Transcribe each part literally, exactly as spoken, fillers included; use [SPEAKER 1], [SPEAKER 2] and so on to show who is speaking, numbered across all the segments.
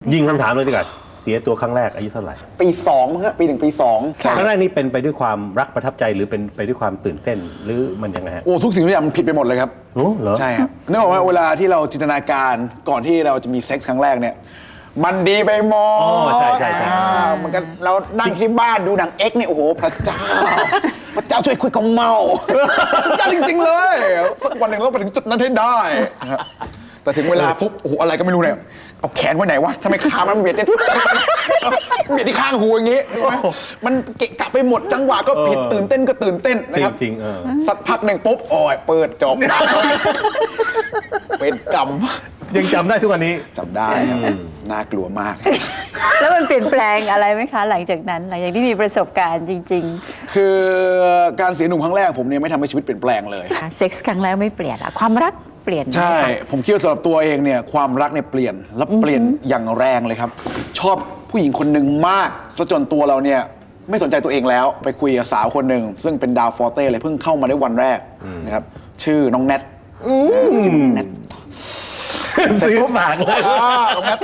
[SPEAKER 1] ยิงคำถามเลยดีกว่าเสียตัวครั้งแรกอายุเท่าไหร่
[SPEAKER 2] ปีสองครับปีหนึ่งปีสอง
[SPEAKER 1] ครั้งแรกนี่เป็นไปด้วยความรักประทับใจหรือเป็นไปด้วยความตื่นเต้นหรือมันยังไงฮะ
[SPEAKER 2] โอ้ทุกสิ่งทุกอย่างมันผิดไปหมดเลยครับ
[SPEAKER 1] โอ้เหรอ
[SPEAKER 2] ใช่ครับนึกออกว่าเวลาที่เราจินตนาการก่อนที่เราจะมีเซ็กส์ครั้งแรกเนี่ยมันดีไปหมด
[SPEAKER 1] อ๋อใช่ใช่ใช่
[SPEAKER 2] มันกันเรานั่งที่บ้านดูหนังเอ็กเนี่ยโอ้โหพระเจ้าพระเจ้าช่วยคุยกับเมาสุดยอดจริงๆเลยสักวันหนึ่งเราไปถึงจุดนั้นให้ได้นะครับแต่ถึงเวลาปุ๊บโอ้โหอะไรก็ไม่รู้เนี่ยเอาแขนไว้ไหนวะทำไมขามันเบียดเนี่ยเบียดที่ข้างหูอย่างงี้มันเกะกะไปหมดจังหวะก็ผิดตื่นเต้นก็ตื่นเต้นนะครับ
[SPEAKER 1] จริงๆเออ
[SPEAKER 2] สักพักหนึ่งปุ๊บโอ้ยเปิดจบเป็นกรรม
[SPEAKER 1] ยังจำได้ทุกวันนี้
[SPEAKER 2] จำได้ครับน่ากลัวมาก
[SPEAKER 3] แล้วมันเปลี่ยนแปลงอะไรไหมคะหลังจากนั้นหลังจากที่มีประสบการณ์จริง
[SPEAKER 2] ๆคือการเสียหนุ่มครั้งแรกผมเนี่ยไม่ทำให้ชีวิตเปลี่ยนแปลงเลย
[SPEAKER 3] เซ็กส์ครั้งแรกไม่เปลี่ยนอะความรักเปลี่ยน
[SPEAKER 2] ใช่ผมคิดว่าสำหรับตัวเองเนี่ยความรักเนี่ยเปลี่ยนและเปลี่ยนอย่างแรงเลยครับชอบผู้หญิงคนหนึ่งมากซะจนตัวเราเนี่ยไม่สนใจตัวเองแล้วไปคุยกับสาวคนหนึ่งซึ่งเป็นดาวฟอร์เต้เลยเพิ่งเข้ามาได้วันแรกนะครับชื่อน้องแนทแนท
[SPEAKER 1] ซื้อฝากเลย
[SPEAKER 2] น้องแนท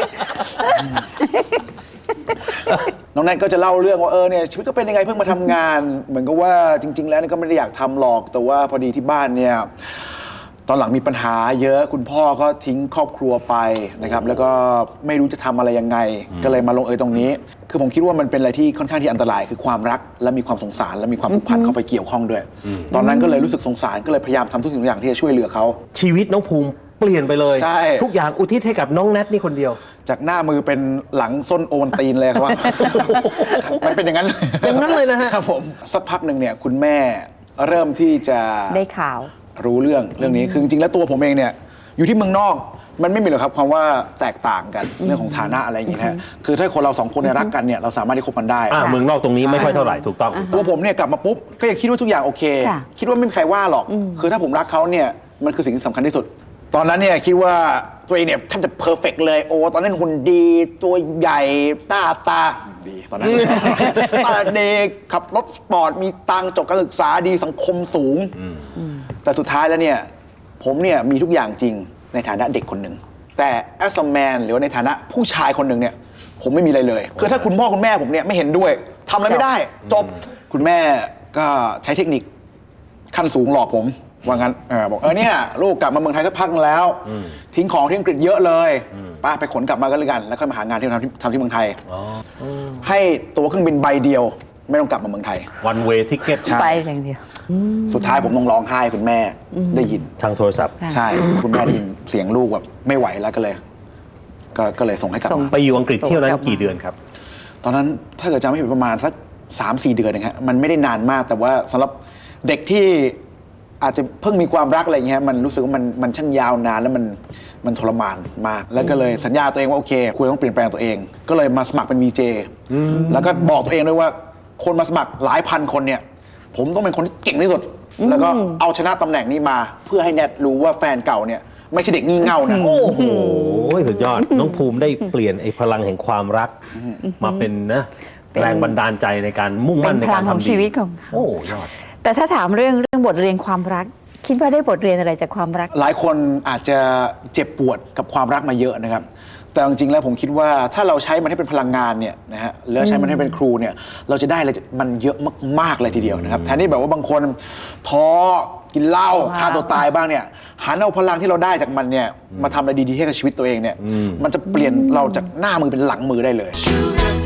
[SPEAKER 2] น้องแนทก็จะเล่าเรื่องว่าเออเนี่ยชีวิตก็เป็นยังไงเพิ่งมาทำงานเหมือนกับว่าจริงๆแล้วก็ไม่ได้อยากทำหรอกแต่ว่าพอดีที่บ้านเนี่ยตอนหลังมีปัญหาเยอะคุณพ่อก็ทิ้งครอบครัวไปนะครับแล้วก็ไม่รู้จะทำอะไรยังไงก็เลยมาลงเอยตรงนี้คือผมคิดว่ามันเป็นอะไรที่ค่อนข้างที่อันตรายคือความรักและมีความสงสารและมีความผูกพันเข้าไปเกี่ยวข้องด้วยตอนนั้นก็เลยรู้สึกสงสารก็เลยพยายามทำทุกสิ่งทุกอย่างที่จะช่วยเหลือเขา
[SPEAKER 1] ชีวิตน้องภูมิเปลี่ยนไปเลย
[SPEAKER 2] ใช่
[SPEAKER 1] ทุกอย่างอุทิศให้กับน้องแนทนี่คนเดียว
[SPEAKER 2] จากหน้ามือเป็นหลังส้นโอนตีนเลยครับมันเป็นอย่างนั้น
[SPEAKER 1] อย่างนั้นเลยนะฮะ
[SPEAKER 2] ครับผมสักพักหนึ่งเนี่ยคุณแม่เริ่มที่จะ
[SPEAKER 3] ได้ข่าว
[SPEAKER 2] รู้เรื่องเรื่องนี้คือจริงๆแล้วตัวผมเองเนี่ยอยู่ที่เมืองนอกมันไม่มีหรอกครับความว่าแตกต่างกันเรื่องของฐานะอะไรอย่างงี้นะคือถ้าคนเราสองคนเนี่ยรักกันเนี่ยเราสามารถที่คบกันได้
[SPEAKER 1] เมืองนอกตรงนี้ไม่ค่อยเท่าไหร่ถูกต้อง
[SPEAKER 2] ตัวผมเนี่ยกลับมาปุ๊บก็ยังคิดว่าทุกอย่างโอเคคิดว่าไม่มีใครว่าหรอกคือถ้าผมรักเขาเนี่ยมันคือสิ่งที่สำคัญที่สุดตอนนั้นเนี่ยคิดว่าตัวเองเนี่ยแทบจะเพอร์เฟกต์เลยโอ้ตอนนั้นหุ่นดีตัวใหญ่หน้าตาดีตอนนั้นตาเด็กขับรถสปอร์ตมีตังจบการศึกษาดีสังคมสูงแต่สุดท้ายแล้วเนี่ยผมเนี่ยมีทุกอย่างจริงในฐานะเด็กคนหนึ่งแต่ as a man หรือว่าในฐานะผู้ชายคนหนึ่งเนี่ยผมไม่มีอะไรเลยคือถ้าคุณพ่อคุณแม่ผมเนี่ยไม่เห็นด้วยทำอะไรไม่ได้จบคุณแม่ก็ใช้เทคนิคขั้นสูงหลอกผมว่างั้นเออบอกเออเนี่ยลูกกลับมาเมืองไทยสักพักแล้วทิ้งของที่อังกฤษเยอะเลยป้าไปขนกลับมาก็แล้วกันแล้วค่อยมาหางานที่ทำที่ทำที่เมืองไทยให้ตั๋วเครื่องบินใบเดียวไม่ต้องกลับมาเมืองไทย
[SPEAKER 1] one way ticket
[SPEAKER 3] ไปอย่างเดียว
[SPEAKER 2] สุดท้ายผมต้องร้องไห้คุณแม่ได้ยิน
[SPEAKER 1] ทางโทรศัพท์
[SPEAKER 2] ใช่คุณแม่ได้ยินเสียงลูกแบบไม่ไหวแล้วก็เลยก็ก็เลยส่งให้กลับมา
[SPEAKER 1] ไปอยู่อังกฤษเที่ยวนั้นกี่เดือนครับ
[SPEAKER 2] ตอนนั้นถ้าเกิดจำไม่ผิดประมาณสักสามสี่เดือนนะฮะมันไม่ได้นานมากแต่ว่าสำหรับเด็กที่อาจจะเพิ่งมีความรักอะไรเงี้ยมันรู้สึกว่ามันมันช่างยาวนานแล้วมันมันทรมานมากแล้วก็เลยสัญญาตัวเองว่าโอเคคุยต้องเปลี่ยนแปลงตัวเองก็เลยมาสมัครเป็น วี เจ แล้วก็บอกตัวเองด้วยว่าคนมาสมัครหลายพันคนเนี่ยผมต้องเป็นคนที่เก่งที่สุดแล้วก็เอาชนะตำแหน่งนี้มาเพื่อให้แนทรู้ว่าแฟนเก่าเนี่ยไม่ใช่เด็กงี่เง่านะ
[SPEAKER 1] โอ้โหสุดยอดน้องภูมิได้เปลี่ยนไอ้พลังแห่งความรักมาเป็นนะแรงบันดาลใจในการมุ่งมั่นในการทำ
[SPEAKER 3] ชีวิตของเขา
[SPEAKER 1] โอ้ยอด
[SPEAKER 3] แต่ถ้าถามเรื่องเรื่องบทเรียนความรักคิดว่าได้บทเรียนอะไรจากความรัก
[SPEAKER 2] หลายคนอาจจะเจ็บปวดกับความรักมาเยอะนะครับแต่จริงๆแล้วผมคิดว่าถ้าเราใช้มันให้เป็นพลังงานเนี่ยนะฮะแล้วใช้มันให้เป็นครูเนี่ยเราจะได้อะไรมันเยอะมากๆเลยทีเดียวนะครับแทนที่แบบว่าบางคนท้อกินเหล้าฆ่าตัวตายบ้างเนี่ยหันเอาพลังที่เราได้จากมันเนี่ยมาทำอะไรดีๆให้กับชีวิตตัวเองเนี่ยมันจะเปลี่ยนเราจากหน้ามือเป็นหลังมือได้เลย